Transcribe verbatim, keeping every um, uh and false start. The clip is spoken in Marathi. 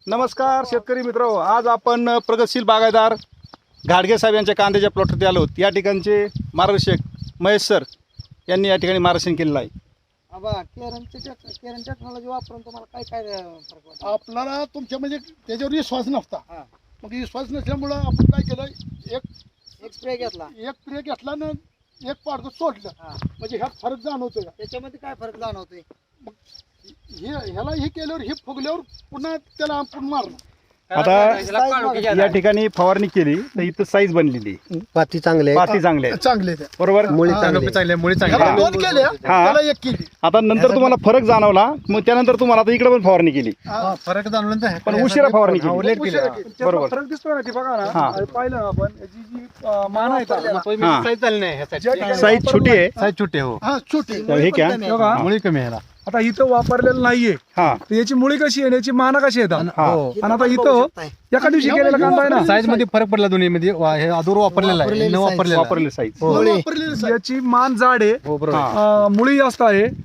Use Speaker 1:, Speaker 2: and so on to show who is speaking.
Speaker 1: नमस्कार शेतकरी मित्र, आज आपण प्रगतशील बागायतदार घाडगे साहेब यांच्या कांद्याच्या प्लॉटवरती आलो. या ठिकाणचे मार्गदर्शक महेश सर यांनी या ठिकाणी मार्गदर्शन केलेलं आहे.
Speaker 2: आबा केरनच्या केरन टेक्नॉलॉजी वापरून तुम्हाला काय काय फरक वाटतो?
Speaker 3: आपल्याला तुमच्या म्हणजे त्याच्यावर विश्वास नव्हता.
Speaker 2: हा.
Speaker 3: मग विश्वास नसल्यामुळं आपण काय केलं, एक
Speaker 2: एक स्प्रे घेतला.
Speaker 3: एक प्रे घेतला ना एक पाडचं सोडलं.
Speaker 2: हा.
Speaker 3: म्हणजे ह्यात फरक जाणवतोय का?
Speaker 2: त्याच्यामध्ये काय फरक जाणवतोय?
Speaker 3: हे ह्याला हे केल्यावर हे फुगल्यावर पुन्हा त्याला आपण मारलं.
Speaker 1: आता या ठिकाणी फवारणी केली तर इथं साईज बनलेली,
Speaker 4: पाती चांगले आहे.
Speaker 1: पाती चांगले आहेत.
Speaker 3: चांगले आहे ते.
Speaker 1: बरोबर.
Speaker 4: मुळी
Speaker 3: हा.
Speaker 4: चांगली आहे.
Speaker 3: ह्याला दोन केले,
Speaker 1: हा.
Speaker 3: त्याला एक केली.
Speaker 1: आता नंतर तुम्हाला फरक जाणवला, मग त्यानंतर तुम्हाला आता इकडे पण फवारणी केली,
Speaker 3: हा.
Speaker 5: फरक जाणवलं
Speaker 1: पण उशिरा फवारणी केली.
Speaker 3: उशिरा केली.
Speaker 1: बरोबर.
Speaker 6: फरक दिसतोय ना, ती बघा
Speaker 1: हा.
Speaker 6: ना, आणि पाहिलं ना आपण याची जी अं, मान आहे का,
Speaker 1: हा.
Speaker 5: साईज चालली नाही ह्यासाठी.
Speaker 1: साईज छोटी आहे.
Speaker 5: साईज छोटी आहे, हो
Speaker 3: हा छोटी.
Speaker 1: तर हे क्या
Speaker 6: बघा,
Speaker 5: मुळी कमी आहे ह्याला.
Speaker 6: आता इथं वापरलेलं नाहीये,
Speaker 1: हा
Speaker 6: तर याची मुळी कशी आहे, याची माना कशी येतात.
Speaker 1: हा.
Speaker 5: हो.
Speaker 6: आणि आता इथं एका दिवशी केलेला कांदा आहे ना,
Speaker 5: साईज मध्ये फरक पडला दोन्ही मध्ये. वा- हे अधूर वापरलेला आहे, न वापरलेला आहे.
Speaker 1: वापरले साईज.
Speaker 3: वापरलेलं साईज.
Speaker 6: याची मान जाड आहे,
Speaker 5: हो बरोबर आहे.
Speaker 1: हा.
Speaker 6: अं, मुळी जास्त आहे,